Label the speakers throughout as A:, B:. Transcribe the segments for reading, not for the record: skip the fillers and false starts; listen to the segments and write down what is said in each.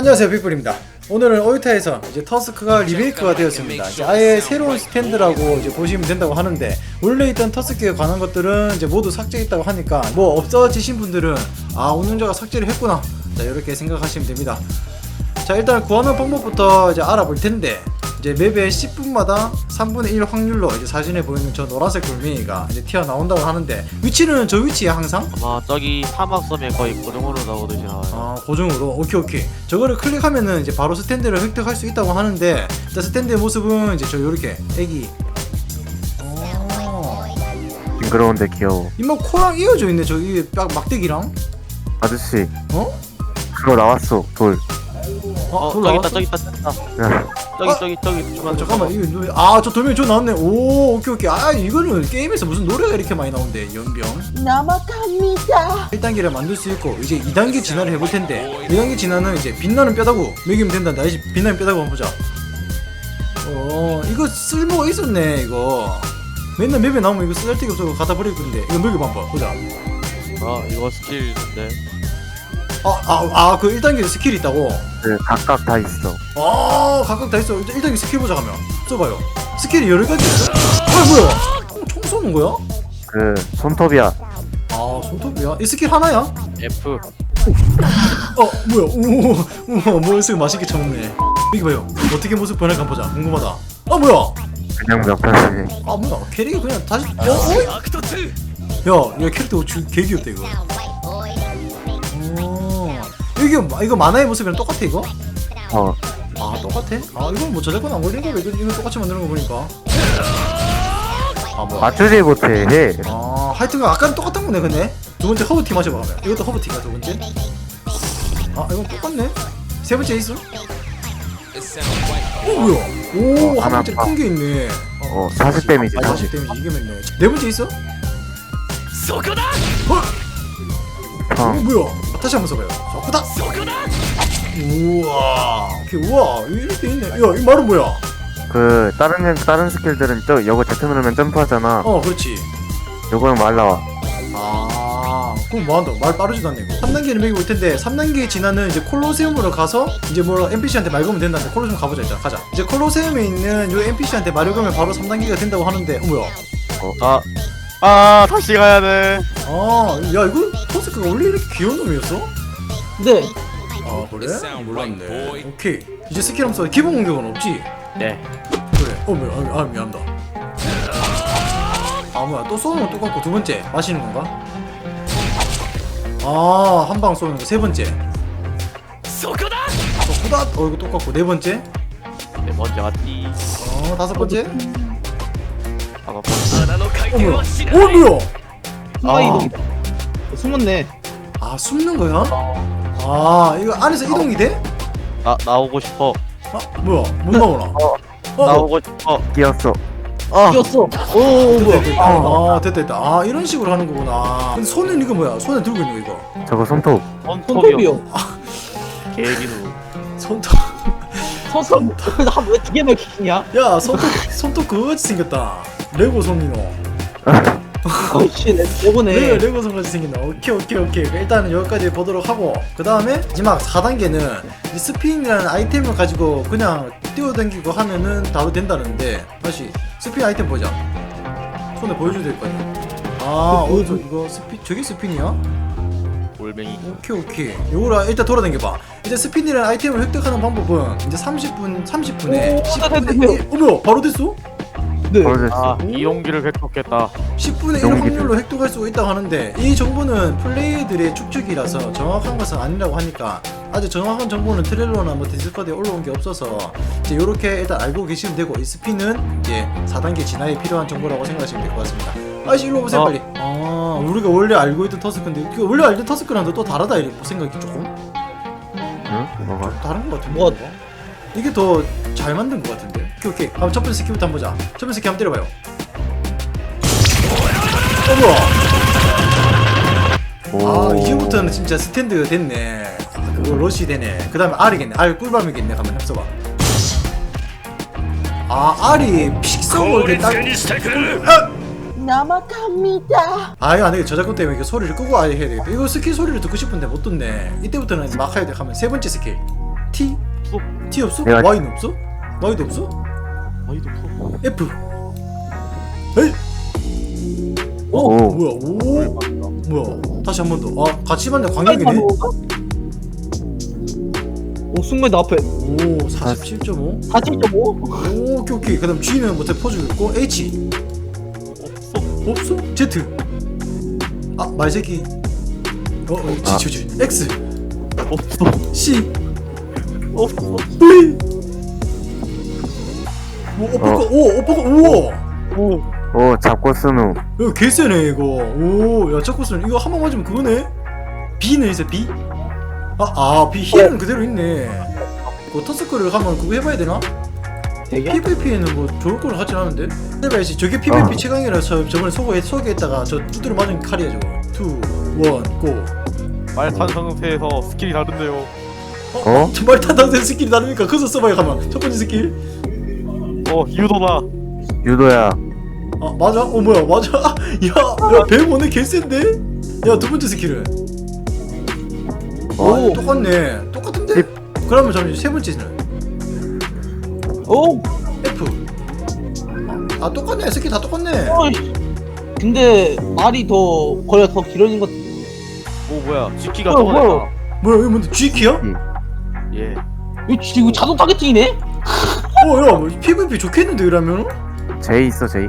A: 안녕하세요, 빅불입니다. 오늘은 오이타에서 이제 터스크가 리메이크가 되었습니다. 이제 아예 새로운 스탠드라고 이제 보시면 된다고 하는데, 원래 있던 터스크에 관한 것들은 이제 모두 삭제했다고 하니까 뭐 없어지신 분들은 아, 운영자가 삭제를 했구나, 자 이렇게 생각하시면 됩니다. 자, 일단 구하는 방법부터 이제 알아볼 텐데, 이제 맵에 10분마다 3분의 1 확률로 이제 사진에 보이는 저 노란색 돌멩이가 이제 튀어나온다고 하는데, 위치는 저 위치에 항상?
B: 아마 저기 사막섬에 거의 고정으로 나오듯이 나와요.
A: 아, 고정으로? 오케이. 저거를 클릭하면은 이제 바로 스탠드를 획득할 수 있다고 하는데, 일단 스탠드의 모습은 이제 저 요렇게 애기
C: 징그러운데 귀여워.
A: 이마 코랑 이어져 있네. 저기 막대기랑.
C: 아저씨
A: 어?
C: 그거 나왔어. 돌.
A: 돌
B: 저기 있다,
A: 나왔어?
B: 저기 있다,
C: 야,
B: 저기.
A: 잠깐만, 이거 저 돌멩이 저 나왔네. 오, 오케이. 아, 이거는 게임에서 무슨 노래가 이렇게 많이 나온대. 연병.
D: 넘어갑니다.
A: 1단계를 만들 수 있고, 이제 2단계 진화를 해볼 텐데, 2단계 진화는 이제 빛나는 뼈다구 먹이면 된단다. 이제 빛나는 뼈다구 한번 보자. 이거 쓸모가 있었네. 이거 맨날 맵에 나오면 이거 쓸데기 없어서 갖다 버릴 건데, 이거 먹여봐 한번 보자.
B: 이거 스킬인데.
A: 그 1단계 스킬이 있다고?
C: 그 각각 다 있어.
A: 각각 다 있어. 1단계 스킬 보자. 가면 써봐요. 스킬이 여러 가지 있어. 뭐야? 총 쏘는 거야?
C: 그 손톱이야.
A: 손톱이야? 이 스킬 하나야?
B: F.
A: 뭐야? 우와, 모습 맛있게 쳐먹네. 이거 봐요. 어떻게 모습 변할까 보자. 궁금하다. 뭐야?
C: 그냥 몇 편씩.
A: 뭐야? 캐릭이 그냥 다시. 야, 캐릭터 개 귀엽다 이거. 이거 만화의 모습이랑 똑같아 이거? 똑같아? 이건 뭐 저작권 안 걸린 거왜 이거 똑같이 만드는 거 보니까. 뭐야?
C: 맞추지 못해. 해.
A: 하여튼 아까는 똑같은 거네. 근데 두 번째 허브티 마셔봐. 그러면 이것도 허브티가 두 번째. 이건 똑같네. 세 번째 있어? 뭐야? 한 번째 큰 게 있네.
C: 40 데미지.
A: 40 데미지 이게 맞네. 네 번째 있어? 뭐야? 다시 한번 써봐요. 저거다. 우와, 이렇게 있네. 야, 이 말은 뭐야?
C: 그 다른 스킬들은 요거 Z 누르면 점프하잖아.
A: 그렇지.
C: 요거는 말 나와.
A: 그럼 뭐 한다? 말 빠르지도 않네 이거. 3단계는 매기고 올 텐데, 3단계 진화는 이제 콜로세움으로 가서 이제 뭐 NPC한테 말 걸면 된다는데, 콜로세움 가보자. 일단 가자. 이제 콜로세움에 있는 요 NPC한테 말을 걸면 바로 3단계가 된다고 하는데, 뭐야?
B: 다시 가야 돼.
A: 야, 이거 토스크가 원래 이렇게 귀여운 놈이었어?
D: 네.
A: 그래? 몰랐네. 오케이. 이제 스킬 함수 기본 공격은 없지?
B: 네.
A: 그래. 뭐야? 미안하다. 뭐야? 또 쏘는 건 똑같고, 두 번째 마시는 건가? 한 방 쏘는 거 세 번째. 소쿠다. 이거 똑같고, 네 번째.
B: 네 번째 맞디.
A: 다섯 번째.
B: 뭐야?
A: 뭐야?
D: 숨었네.
A: 숨는 거야? 이거 안에서 이동이 돼?
B: 나오고 싶어.
A: 뭐야? 못 나오나?
B: 나오고 싶어.
C: 끼었어.
D: 뛰었어.
A: 뭐야? 됐다. 이런 식으로 하는 거구나. 근데 손은 이거 뭐야? 손에 들고 있는 거 이거.
C: 저거 손톱.
D: 손톱이요.
B: 개기누.
A: 손톱.
D: 손톱. 나왜 두 개만 키냐?
A: 야, 손톱 그거같이 생겼다. 레고 손이노.
D: 어이씨, 내보네.
A: 레고 손같이 생긴다. 오케이. 일단은 여기까지 보도록 하고, 그 다음에 마지막 4단계는 스핀이라는 아이템을 가지고 그냥 뛰어다니고 하면은 바로 된다는데, 다시 스핀 아이템 보자. 손에 보여줘야 될 거 아니야. 이거 스핀, 저게 스핀이야?
B: 골뱅이.
A: 오케이. 요거라 일단 돌아다녀봐. 이제 스핀이라는 아이템을 획득하는 방법은 이제 30분에 10분의 1. 뭐야? 바로 됐어?
D: 네.
C: 바로 됐어.
B: 이용기를 획득했다.
A: 10분의 1
C: 이동기를.
A: 확률로 획득할 수 있다고 하는데, 이 정보는 플레이들의 추측이라서 정확한 것은 아니라고 하니까, 아직 정확한 정보는 트레일러나 뭐 디스코드에 올라온 게 없어서 이제 요렇게 일단 알고 계시면 되고, 이 스핀은 이제 4단계 진화에 필요한 정보라고 생각하시면 될 것 같습니다. 아저씨 일로 오세요 빨리. 우리가 원래 알고 있던 터스크인데, 원래 알던 터스크랑 또 다르다 이렇게 생각이 조금
C: 응? 뭐가?
A: 다른 것 같은데.
D: 뭐가?
A: 이게 더 잘 만든 것 같은데. 오케이. 한번 첫 번째 스킬부터 한번 보자. 첫 번째 스킬 한번 때려봐요. 뭐야? 이제부터는 진짜 스탠드가 됐네. 그거 러시 되네. 그 다음에 R이겠네. R 꿀밤이겠네. 가만 해봐봐. R이 픽성을 딱.
D: 넘어갑니다.
A: 이거 안되겠다. 저작권 때문에 이거 소리를 끄고 아예 해야 되겠다. 이거 스킬 소리를 듣고 싶은데 못 듣네. 이때부터는 막 해야 돼. 하면 세 번째 스킬. T?
B: 없어.
A: T 없어?
C: 내가-
A: Y는 없어? Y도 없어?
B: 아이도 없어.
A: F. 에이. 오,
C: 오.
A: 뭐야? 오, 뭐야? 다시 한 번 더. 아, 같이 맞네. 광역이네.
D: 오 순간 나 앞에
A: 오, 47.5.
D: 4.5?
A: 오, 오케이 오케이. 그다음 G는 못해 퍼주겠고 H.
B: 없어.
A: 없어? Z. 아, 말새끼. G. X.
B: 없어.
A: C.
B: 없어.
A: V. 오빠가 우와.
C: 오 잡고 스누.
A: 이거 개쎄네 이거. 오, 야 자꾸스는 이거 한 번 맞으면 그거네. B는 있어 B. B 힐은 그대로 있네. 그 터스크를 하면 그거 해봐야 되나?
D: 되게?
A: PVP에는 뭐 좋을 걸 하진 않은데. 해봐야지. 저게 PVP 최강이라서 저번에 소개했다가 저 두드려 맞은 칼이야 저거. 2, 1, 고.
B: 말탄 상태에서 스킬이 다른데요.
A: 정말 탄당된 스킬이 다르니까 그거 써봐야 가만. 첫 번째 스킬.
B: 유도다.
C: 유도야.
A: 아 맞아? 뭐야 맞아? 야 배우네 개센데? 야 두 번째 스킬은?
D: 오.
A: 똑같네. 똑같은데? 그러면 잠시 세 번째는?
D: 오!
A: F. 똑같네. 스킬 다 똑같네.
D: 어이. 근데 말이 더 거리가 더 길어진 것
B: 뭐야? G키가
D: 뭐야,
B: 또 됐다.
A: 뭐야 이거 뭔데? G키야?
B: 예.
D: 이거 자동 타겟팅이네?
A: 야 PVP 좋겠는데 이러면?
C: J 있어 J.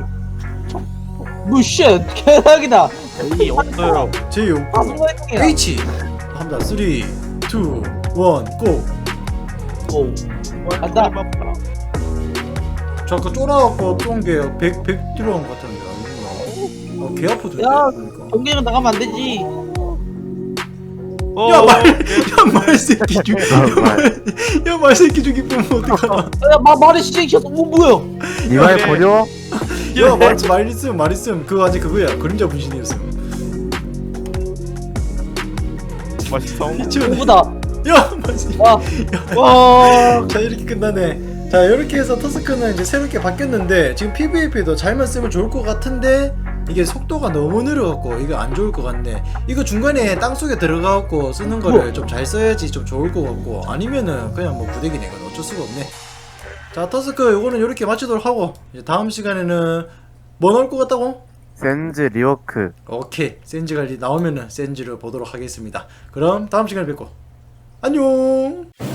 D: 뭐쉣 개사기다
B: J 없어요.
A: J
D: 자동
A: 없고
D: 타겟팅이야
A: H 합니다. 3, 2, 1, 고.
D: 오 간다.
A: 저 아까 쫄아갖고 쫀게 100 들어간 것 같은데 아니구나. 개 아프던데
D: 야.
A: 그러니까.
D: 경기는 나가면 안 되지
A: 말새끼 죽. 야 말새끼 죽이 보면 어떡하나.
D: 야 말이 시행시켰어 뭐야
C: 이말
B: 네.
C: 버려?
A: 야 말 있음 그거 아직 그거야. 그림자 분신이었음.
B: 맛있어.
A: 미치겠네.
D: 누구다
A: 야 맞지.
D: 와
A: 자 이렇게 끝나네. 자 이렇게 해서 터스크는 이제 새롭게 바뀌었는데 지금 PVP도 잘만 쓰면 좋을 것 같은데 이게 속도가 너무 느려갖고 이거 안 좋을 것 같네. 이거 중간에 땅속에 들어가갖고 쓰는 거를 좀 잘 써야지 좀 좋을 것 같고 아니면은 그냥 뭐 부대기네. 이건 어쩔 수가 없네. 자 터스크 요거는 이렇게 마치도록 하고 이제 다음 시간에는 뭐 나올 것 같다고?
C: 센즈 리워크.
A: 오케이 센즈가 나오면은 센즈를 보도록 하겠습니다. 그럼 다음 시간에 뵙고 안녕.